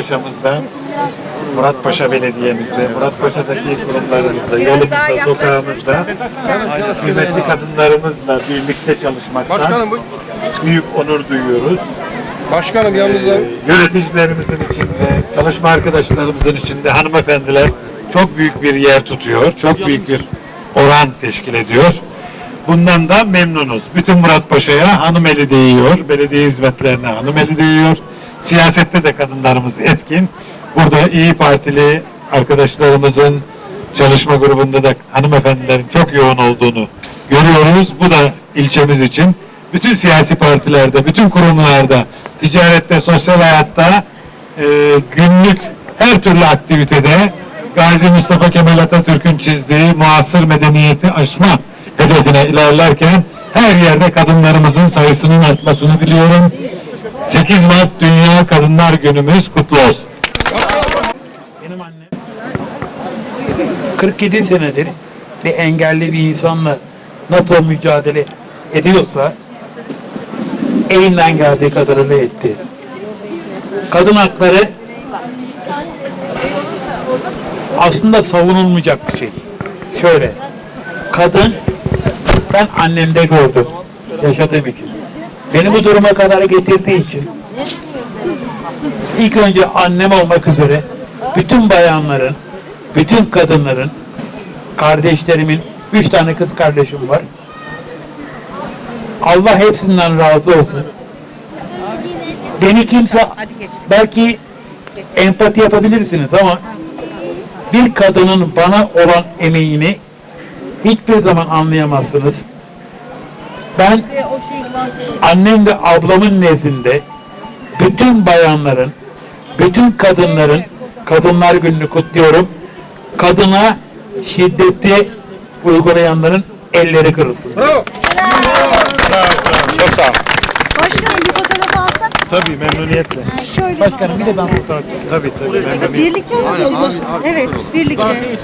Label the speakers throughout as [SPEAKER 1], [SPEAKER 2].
[SPEAKER 1] Muratpaşa'mızda, Muratpaşa Belediye'mizde, Muratpaşa'daki kurumlarımızda, yolumuzda, sokağımızda kıymetli kadınlarımızla birlikte çalışmaktan büyük onur duyuyoruz.
[SPEAKER 2] Başkanım yalnız
[SPEAKER 1] Yöneticilerimizin içinde, çalışma arkadaşlarımızın içinde hanımefendiler çok büyük bir yer tutuyor, çok büyük bir oran teşkil ediyor. Bundan da memnunuz. Bütün Muratpaşa'ya hanım eli değiyor, belediye hizmetlerine hanım eli değiyor. Siyasette de kadınlarımız etkin. Burada İyi Partili arkadaşlarımızın çalışma grubunda da hanımefendilerin çok yoğun olduğunu görüyoruz. Bu da ilçemiz için bütün siyasi partilerde, bütün kurumlarda, ticarette, sosyal hayatta, günlük her türlü aktivitede Gazi Mustafa Kemal Atatürk'ün çizdiği muasır medeniyeti aşma hedefine ilerlerken her yerde kadınlarımızın sayısının artmasını biliyorum. 8 Mart Dünya Kadınlar Günümüz kutlu olsun.
[SPEAKER 3] Benim annem 47 senedir bir engelli bir insanla nasıl mücadele ediyorsa elinden geldiği kadarını etti. Kadın hakları aslında savunulmayacak bir şey. Şöyle, kadın, ben annemde gördüm, yaşadığım için. Beni bu duruma kadar getirdiği için ilk önce annem olmak üzere bütün bayanların, bütün kadınların, kardeşlerimin, 3 tane kız kardeşim var. Allah hepsinden razı olsun. Beni kimse, belki empati yapabilirsiniz ama bir kadının bana olan emeğini hiçbir zaman anlayamazsınız. Ben annem ve ablamın nezdinde bütün bayanların, bütün kadınların Kadınlar Günü'nü kutluyorum. Kadına şiddeti uygulayanların elleri kırılsın.
[SPEAKER 2] bravo.
[SPEAKER 1] Çok sağ olun.
[SPEAKER 4] Başkanım bir fotoğraf alsak.
[SPEAKER 1] Tabii memnuniyetle.
[SPEAKER 4] Şöyle.
[SPEAKER 3] Başkanım bir de ben fotoğraf çekeyim.
[SPEAKER 1] Tabii memnuniyetle.
[SPEAKER 4] Birlikte mi? Evet, birlikte.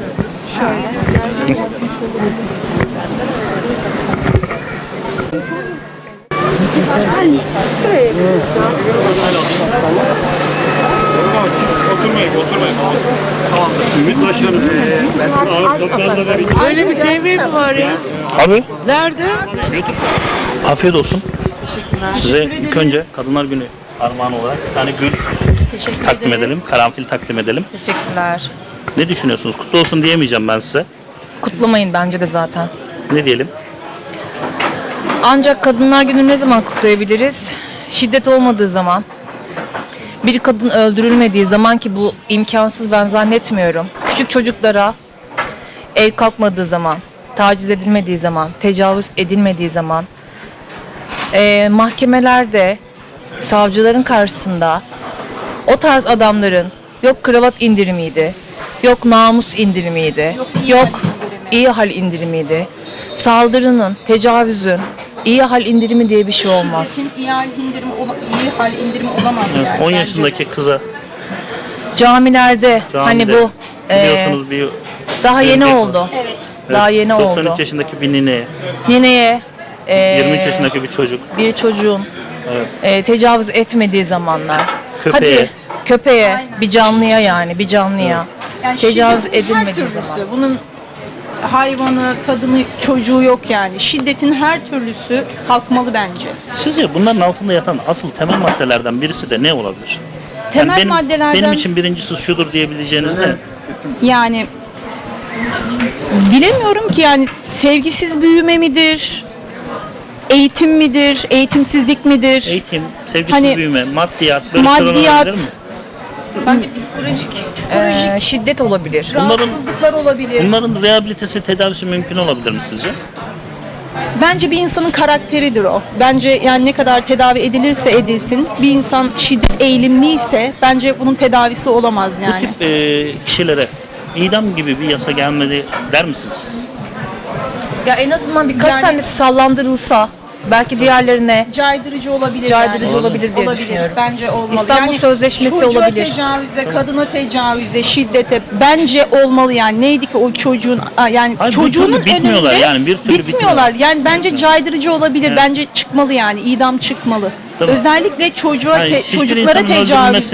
[SPEAKER 5] Öyle bir TV mi var ya?
[SPEAKER 6] Abi
[SPEAKER 5] Nerede?
[SPEAKER 6] afiyet olsun. Size ilk önce Kadınlar Günü armağan olarak bir tane gül takdim edelim. Karanfil takdim edelim.
[SPEAKER 7] Teşekkürler.
[SPEAKER 6] Ne düşünüyorsunuz? Kutlu olsun diyemeyeceğim ben size.
[SPEAKER 7] Kutlamayın bence de zaten.
[SPEAKER 6] Ne diyelim?
[SPEAKER 7] Ancak Kadınlar Günü ne zaman kutlayabiliriz? Şiddet olmadığı zaman. Bir kadın öldürülmediği zaman, ki bu imkansız ben zannetmiyorum. Küçük çocuklara el kalkmadığı zaman, taciz edilmediği zaman, tecavüz edilmediği zaman, mahkemelerde, savcıların karşısında o tarz adamların yok kravat indirimiydi, yok namus indirimiydi, yok iyi hal indirimiydi. Saldırının, tecavüzün iyi hal indirimi diye bir şey olmaz.
[SPEAKER 8] Şiddetin iyi hal indirimi olamaz
[SPEAKER 6] Evet,
[SPEAKER 8] yani.
[SPEAKER 6] 10
[SPEAKER 8] bence.
[SPEAKER 6] yaşındaki kıza
[SPEAKER 7] Camilerde,
[SPEAKER 6] camide
[SPEAKER 7] hani bu
[SPEAKER 6] biliyorsunuz bir
[SPEAKER 7] daha yeni
[SPEAKER 6] örnek var.
[SPEAKER 7] oldu.
[SPEAKER 8] Evet.
[SPEAKER 7] Daha yeni
[SPEAKER 6] 93
[SPEAKER 7] oldu.
[SPEAKER 6] yaşındaki bir nine,
[SPEAKER 7] Nineye
[SPEAKER 6] 23 yaşındaki bir çocuk,
[SPEAKER 7] bir çocuğun tecavüz etmediği zamanlar.
[SPEAKER 6] Köpeğe.
[SPEAKER 7] Hadi köpeğe, bir canlıya, yani bir canlıya
[SPEAKER 8] Yani
[SPEAKER 7] tecavüz
[SPEAKER 8] şiddetin her
[SPEAKER 7] edilmediği
[SPEAKER 8] türlüsü,
[SPEAKER 7] zaman.
[SPEAKER 8] bunun hayvanı, kadını, çocuğu yok yani. Şiddetin her türlüsü kalkmalı bence.
[SPEAKER 6] sizce bunların altında yatan asıl temel maddelerden birisi de ne olabilir?
[SPEAKER 8] Temel maddelerden
[SPEAKER 6] benim için birincisi şudur diyebileceğiniz ne?
[SPEAKER 8] yani bilemiyorum ki, yani sevgisiz büyüme midir? Eğitim midir? Eğitimsizlik midir?
[SPEAKER 6] Eğitim, sevgisiz
[SPEAKER 8] Hani
[SPEAKER 6] büyüme, maddiyat, böyle
[SPEAKER 8] maddiyat,
[SPEAKER 6] şeyler olabilir mi?
[SPEAKER 8] bence psikolojik
[SPEAKER 7] Şiddet olabilir.
[SPEAKER 8] rahatsızlıklar olabilir.
[SPEAKER 6] Bunların rehabilitesi, tedavisi mümkün olabilir mi sizce?
[SPEAKER 8] Bence bir insanın karakteridir o. Bence yani ne kadar tedavi edilirse edilsin, bir insan şiddet eğilimliyse bence bunun tedavisi olamaz
[SPEAKER 6] Bu
[SPEAKER 8] yani.
[SPEAKER 6] tip kişilere idam gibi bir yasa gelmeli der misiniz?
[SPEAKER 7] Ya en azından birkaç
[SPEAKER 8] Yani-
[SPEAKER 7] tanesi sallandırılsa, belki diğerlerine
[SPEAKER 8] Caydırıcı olabilir
[SPEAKER 7] caydırıcı
[SPEAKER 8] yani.
[SPEAKER 7] olabilir diye düşünüyorum.
[SPEAKER 8] Bence olmalı.
[SPEAKER 7] İstanbul Sözleşmesi
[SPEAKER 8] çocuğa
[SPEAKER 7] olabilir.
[SPEAKER 8] tecavüze, kadına tecavüze, şiddete bence olmalı yani. Neydi ki o çocuğun yani
[SPEAKER 6] Hayır, bir
[SPEAKER 8] çocuğunun
[SPEAKER 6] türlü bitmiyorlar
[SPEAKER 8] önünde
[SPEAKER 6] yani, bir türlü
[SPEAKER 8] bitmiyorlar. Yani bence caydırıcı olabilir.
[SPEAKER 6] Evet.
[SPEAKER 8] Bence çıkmalı yani. İdam çıkmalı.
[SPEAKER 6] Tabii.
[SPEAKER 8] Özellikle çocuğa
[SPEAKER 6] Yani hiçbir
[SPEAKER 8] çocuklara
[SPEAKER 6] insanın
[SPEAKER 8] tecavüzü
[SPEAKER 6] öldürülmesine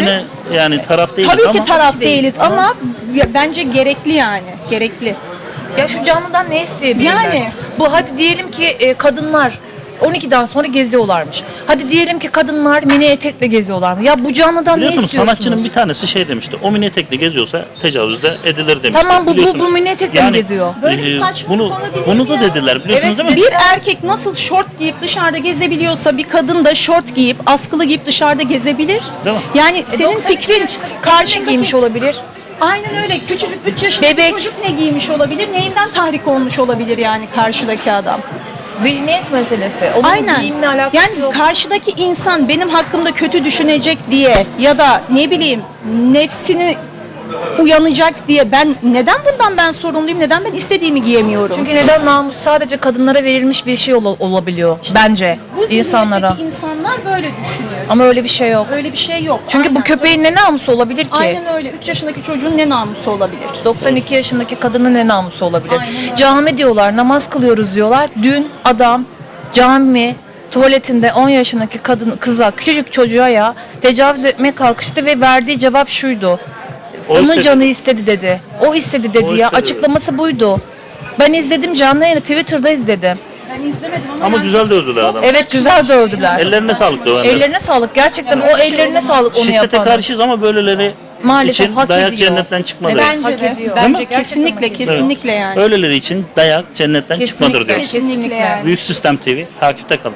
[SPEAKER 6] yani taraf değiliz
[SPEAKER 8] Tabii
[SPEAKER 6] ama
[SPEAKER 8] ki taraf değiliz ama bence gerekli yani. Gerekli.
[SPEAKER 7] Ya şu canlıdan ne isteyebilirler?
[SPEAKER 8] Yani.
[SPEAKER 7] Bu hadi diyelim ki kadınlar 12'den sonra geziyorlarmış. Hadi diyelim ki kadınlar mini etekle geziyorlarmış. Ya bu canlıdan ne
[SPEAKER 6] biliyorsunuz
[SPEAKER 7] istiyorsunuz?
[SPEAKER 6] sanatçının bir tanesi şey demişti. O mini etekle geziyorsa tecavüz de edilir demişti.
[SPEAKER 7] Tamam, bu
[SPEAKER 6] Biliyorsunuz.
[SPEAKER 7] mini etekle mi geziyor?
[SPEAKER 8] Böyle bir saçmalık olabilir
[SPEAKER 6] bunu
[SPEAKER 8] mi
[SPEAKER 6] da
[SPEAKER 8] ya?
[SPEAKER 6] dediler biliyorsunuz
[SPEAKER 7] Evet,
[SPEAKER 6] değil mi?
[SPEAKER 8] Bir erkek nasıl şort giyip dışarıda gezebiliyorsa bir kadın da şort giyip askılı giyip dışarıda gezebilir.
[SPEAKER 6] Değil mi?
[SPEAKER 8] Yani senin
[SPEAKER 7] 92
[SPEAKER 8] fikrin
[SPEAKER 7] yaşındaki kadın ne
[SPEAKER 8] karşındaki
[SPEAKER 7] giymiş olabilir?
[SPEAKER 8] Aynen öyle. Küçücük 3 yaşındaki
[SPEAKER 7] Bebek.
[SPEAKER 8] çocuk ne giymiş olabilir? Neyinden tahrik olmuş olabilir yani karşıdaki adam?
[SPEAKER 7] Zihniyet meselesi. Onun
[SPEAKER 8] Aynen.
[SPEAKER 7] giyimle alakası
[SPEAKER 8] Yani
[SPEAKER 7] yok.
[SPEAKER 8] karşıdaki insan benim hakkımda kötü düşünecek diye ya da ne bileyim nefsini uyanacak diye neden bundan sorumluyum? Neden ben istediğimi giyemiyorum?
[SPEAKER 7] Çünkü neden namus sadece kadınlara verilmiş bir şey olabiliyor bence
[SPEAKER 8] bu
[SPEAKER 7] insanlara.
[SPEAKER 8] zihniyetteki insanlar böyle düşünüyor.
[SPEAKER 7] Ama öyle bir şey yok.
[SPEAKER 8] Öyle bir şey yok.
[SPEAKER 7] Çünkü bu
[SPEAKER 8] Aynen.
[SPEAKER 7] köpeğin ne namusu olabilir ki?
[SPEAKER 8] Aynen öyle. 3 yaşındaki çocuğun ne namusu olabilir?
[SPEAKER 7] 92 yaşındaki kadının ne namusu olabilir?
[SPEAKER 8] Aynen öyle.
[SPEAKER 7] Cami diyorlar, namaz kılıyoruz diyorlar. Dün adam cami tuvaletinde 10 yaşındaki kıza, küçücük çocuğa ya tecavüz etmeye kalkıştı ve verdiği cevap şuydu.
[SPEAKER 6] O
[SPEAKER 7] Onun
[SPEAKER 6] istedi.
[SPEAKER 7] canı istedi dedi. O istedi dedi
[SPEAKER 6] O
[SPEAKER 7] ya.
[SPEAKER 6] istedi.
[SPEAKER 7] Açıklaması buydu. Ben izledim canlı yayını Twitter'da izledim.
[SPEAKER 8] Ben izlemedim ama
[SPEAKER 6] Ama
[SPEAKER 8] ben
[SPEAKER 6] güzel dövdüler adamı.
[SPEAKER 7] Evet güzel dövdüler.
[SPEAKER 6] Ellerine sağlık dövenler.
[SPEAKER 7] Ellerine sağlık. Gerçekten o ellerine sağlık onu
[SPEAKER 6] Şiddete
[SPEAKER 7] yapan.
[SPEAKER 6] karşıyız ama böyleleri
[SPEAKER 7] Maalesef
[SPEAKER 6] için
[SPEAKER 7] hak
[SPEAKER 6] dayak
[SPEAKER 7] ediyor.
[SPEAKER 6] cennetten çıkmadır.
[SPEAKER 8] bence
[SPEAKER 7] Hak
[SPEAKER 8] de.
[SPEAKER 7] ediyor.
[SPEAKER 8] Bence
[SPEAKER 7] Değil mi?
[SPEAKER 8] kesinlikle
[SPEAKER 7] Gerçekten hak
[SPEAKER 8] kesinlikle yani.
[SPEAKER 6] Öyleleri için dayak cennetten çıkmadır diyoruz.
[SPEAKER 8] Kesinlikle yani.
[SPEAKER 6] Büyük Sistem TV takipte kalın.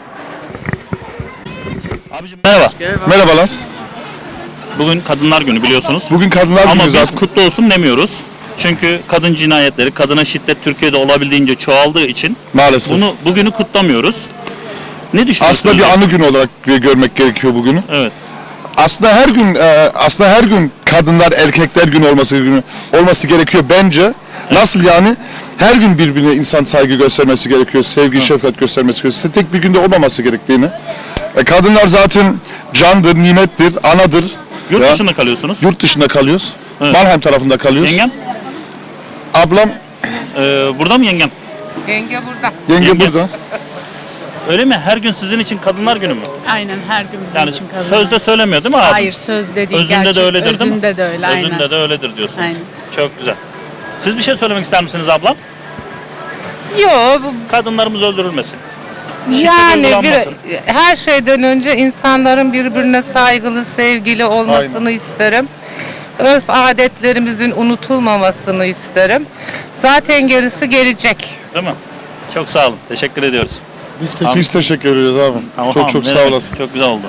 [SPEAKER 6] Abicim merhaba.
[SPEAKER 2] Merhabalar.
[SPEAKER 6] Bugün Kadınlar Günü biliyorsunuz.
[SPEAKER 2] Bugün Kadınlar
[SPEAKER 6] Ama
[SPEAKER 2] Günü
[SPEAKER 6] biz
[SPEAKER 2] zaten.
[SPEAKER 6] kutlu olsun demiyoruz. Çünkü kadın cinayetleri, kadına şiddet Türkiye'de olabildiğince çoğaldığı için
[SPEAKER 2] Maalesef.
[SPEAKER 6] bugünü kutlamıyoruz. Ne düşünüyorsunuz?
[SPEAKER 2] Aslında bir anı günü olarak görmek gerekiyor bugünü.
[SPEAKER 6] Evet.
[SPEAKER 2] Aslında her gün kadınlar erkekler günü olması gerekiyor bence. Nasıl yani? Her gün birbirine insan saygı göstermesi gerekiyor, sevgi, şefkat göstermesi gerekiyor. Tek bir günde olmaması gerektiğini. Kadınlar zaten candır, nimettir, anadır.
[SPEAKER 6] Yurt
[SPEAKER 2] Ya,
[SPEAKER 6] dışında kalıyorsunuz.
[SPEAKER 2] Yurt dışında kalıyoruz.
[SPEAKER 6] Evet.
[SPEAKER 2] Mannheim tarafında kalıyoruz.
[SPEAKER 6] Yengem?
[SPEAKER 2] Ablam,
[SPEAKER 6] Burada mı yengem?
[SPEAKER 4] Yenge burada.
[SPEAKER 2] yenge
[SPEAKER 6] Yenge.
[SPEAKER 2] burada.
[SPEAKER 6] Öyle mi? Her gün sizin için Kadınlar Günü mü?
[SPEAKER 4] Aynen her gün bizim
[SPEAKER 6] Yani
[SPEAKER 4] için kadın.
[SPEAKER 6] sözde söylemiyor değil mi abi?
[SPEAKER 4] Hayır sözde değil.
[SPEAKER 6] Özünde
[SPEAKER 4] gerçek.
[SPEAKER 6] de öyledir değil mi?
[SPEAKER 4] Özünde de öyle aynen.
[SPEAKER 6] Özünde de öyledir diyorsun.
[SPEAKER 4] Aynen.
[SPEAKER 6] Çok güzel. Siz bir şey söylemek ister misiniz ablam?
[SPEAKER 4] Yo
[SPEAKER 6] Kadınlarımız öldürülmesin.
[SPEAKER 4] yani
[SPEAKER 6] uygulanmasın.
[SPEAKER 4] her şeyden önce insanların birbirine saygılı, sevgili olmasını isterim. Örf adetlerimizin unutulmamasını isterim. Zaten gerisi gelecek.
[SPEAKER 6] Değil mi? Çok sağ olun. Teşekkür ediyoruz.
[SPEAKER 2] Biz teşekkür ediyoruz abi.
[SPEAKER 6] Tamam,
[SPEAKER 2] çok
[SPEAKER 6] ne
[SPEAKER 2] sağ
[SPEAKER 6] demek.
[SPEAKER 2] olasın.
[SPEAKER 6] Çok güzel oldu.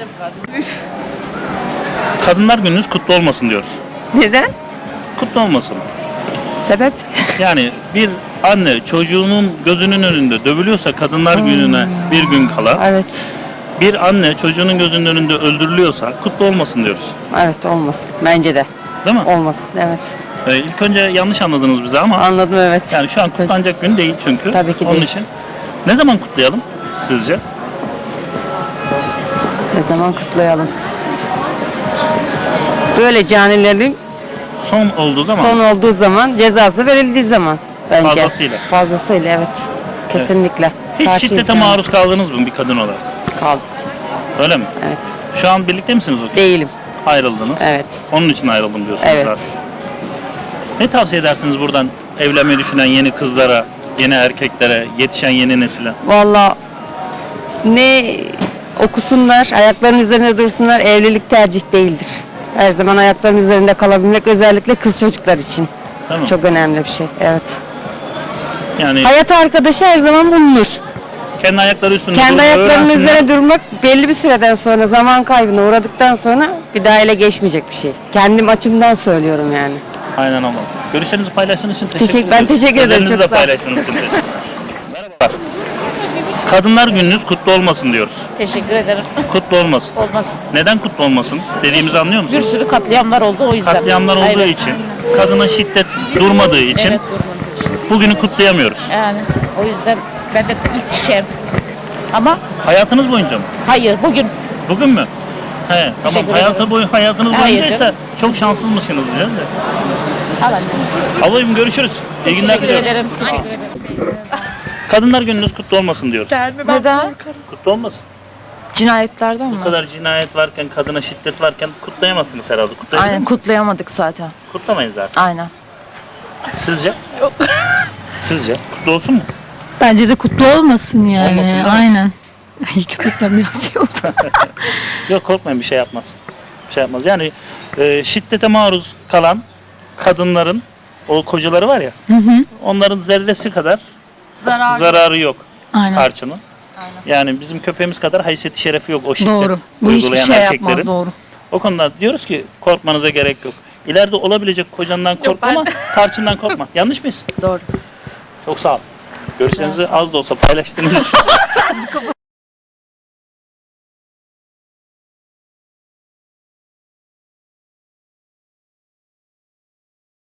[SPEAKER 6] Kadınlar Gününüz kutlu olmasın diyoruz.
[SPEAKER 4] Neden?
[SPEAKER 6] Kutlu olmasın.
[SPEAKER 4] Sebep?
[SPEAKER 6] Yani bir anne çocuğunun gözünün önünde dövülüyorsa Kadınlar Günü'ne bir gün kala,
[SPEAKER 9] Evet,
[SPEAKER 6] bir anne çocuğunun gözünün önünde öldürülüyorsa kutlu olmasın diyoruz.
[SPEAKER 9] evet olmasın. Bence de
[SPEAKER 6] Değil mi?
[SPEAKER 9] olmasın. Evet.
[SPEAKER 6] İlk önce yanlış anladınız bizi ama
[SPEAKER 9] Anladım evet.
[SPEAKER 6] yani şu an kutlanacak gün değil çünkü.
[SPEAKER 9] Tabii ki
[SPEAKER 6] Onun
[SPEAKER 9] değil.
[SPEAKER 6] için ne zaman kutlayalım sizce?
[SPEAKER 9] Ne zaman kutlayalım? Böyle canilerin
[SPEAKER 6] Son olduğu zaman.
[SPEAKER 9] son olduğu zaman, cezası verildiği zaman bence.
[SPEAKER 6] Fazlasıyla.
[SPEAKER 9] Fazlasıyla evet. Kesinlikle.
[SPEAKER 6] Hiç
[SPEAKER 9] Karşıyız
[SPEAKER 6] şiddete
[SPEAKER 9] yani.
[SPEAKER 6] maruz kaldınız mı bir kadın olarak?
[SPEAKER 9] Kaldım.
[SPEAKER 6] Öyle mi?
[SPEAKER 9] Evet.
[SPEAKER 6] Şu an birlikte misiniz o gün?
[SPEAKER 9] Değilim.
[SPEAKER 6] Ayrıldınız.
[SPEAKER 9] Evet.
[SPEAKER 6] Onun için ayrıldım diyorsunuz
[SPEAKER 9] Evet.
[SPEAKER 6] zaten. Ne tavsiye edersiniz buradan evlenmeyi düşünen yeni kızlara, yeni erkeklere, yetişen yeni nesile?
[SPEAKER 9] Vallahi ne okusunlar, ayaklarının üzerinde dursunlar, evlilik tercih değildir. Her zaman ayaklarının üzerinde kalabilmek özellikle kız çocuklar için
[SPEAKER 6] Değil mi?
[SPEAKER 9] çok önemli bir şey. Evet.
[SPEAKER 6] Yani
[SPEAKER 9] Hayat arkadaşı her zaman bulunur.
[SPEAKER 6] kendi ayakları üstünde
[SPEAKER 9] Kendi
[SPEAKER 6] durmayı
[SPEAKER 9] ayaklarının
[SPEAKER 6] öğrensinler.
[SPEAKER 9] üzerine durmak belli bir süreden sonra zaman kaybına uğradıktan sonra bir daha ele geçmeyecek bir şey. Kendim açımdan söylüyorum yani.
[SPEAKER 6] Aynen ama. Görüşlerinizi paylaştığınız için teşekkür
[SPEAKER 9] Teşekkür-
[SPEAKER 6] ederim.
[SPEAKER 9] ben teşekkür ederim,
[SPEAKER 6] Özelinizi
[SPEAKER 9] çok
[SPEAKER 6] de
[SPEAKER 9] sağ olun.
[SPEAKER 6] paylaştığınız için teşekkür ederim. Merhabalar. Kadınlar Gününüz kutlu olmasın diyoruz.
[SPEAKER 5] Teşekkür ederim.
[SPEAKER 6] Kutlu olmasın.
[SPEAKER 5] Olmasın.
[SPEAKER 6] Neden kutlu olmasın? Dediğimizi anlıyor
[SPEAKER 5] Bir
[SPEAKER 6] musunuz?
[SPEAKER 5] sürü katliamlar oldu o yüzden.
[SPEAKER 6] Katliamlar olduğu
[SPEAKER 5] Evet.
[SPEAKER 6] için, kadına şiddet durmadığı için
[SPEAKER 5] Evet durmadı.
[SPEAKER 6] bugünü kutlayamıyoruz.
[SPEAKER 5] Yani o yüzden ben de ilk kişiyim. Ama
[SPEAKER 6] Hayatınız boyunca mı?
[SPEAKER 5] hayır bugün
[SPEAKER 6] Bugün mü? He, tamam.
[SPEAKER 5] Teşekkür
[SPEAKER 6] Hayatınız
[SPEAKER 5] Hayır
[SPEAKER 6] boyuncaysa çok şanssızmışsınız diyeceğiz de.
[SPEAKER 5] alalım.
[SPEAKER 6] Ablacığım görüşürüz. İyi günler
[SPEAKER 5] Teşekkür
[SPEAKER 6] diliyorum.
[SPEAKER 5] ederim. Teşekkür ederim.
[SPEAKER 6] Kadınlar Gününüz kutlu olmasın diyoruz.
[SPEAKER 9] Neden?
[SPEAKER 6] Kutlu olmasın.
[SPEAKER 7] Cinayetlerden mi?
[SPEAKER 6] Bu kadar cinayet varken, kadına şiddet varken kutlayamazsınız herhalde. Kutlayabilir
[SPEAKER 7] Aynen,
[SPEAKER 6] misiniz?
[SPEAKER 7] kutlayamadık zaten.
[SPEAKER 6] Kutlamayın zaten.
[SPEAKER 7] Aynen.
[SPEAKER 6] Sizce? Yok. Sizce? Kutlu olsun mu?
[SPEAKER 10] Bence de kutlu olmasın yani.
[SPEAKER 6] Olmasın, değil mi?
[SPEAKER 10] Aynen. Ay, köpekten biraz şey oldu.
[SPEAKER 6] Yok, korkmayın, bir şey yapmaz. Bir şey yapmaz. Yani şiddete maruz kalan kadınların o kocaları var ya. Onların zerresi kadar zararı yok
[SPEAKER 10] Aynen.
[SPEAKER 6] tarçının. Yani bizim köpeğimiz kadar haysiyeti şerefi yok o şiddet
[SPEAKER 10] Doğru. Bu hiçbir
[SPEAKER 6] uygulayan
[SPEAKER 10] şey
[SPEAKER 6] erkeklerin.
[SPEAKER 10] yapmaz, doğru.
[SPEAKER 6] O konuda diyoruz ki korkmanıza gerek yok. İleride olabilecek kocandan korkma ama tarçından korkma. Yanlış mıyız?
[SPEAKER 7] Doğru.
[SPEAKER 6] Çok sağ ol. Görüşlerinizi az da olsa paylaştığınız için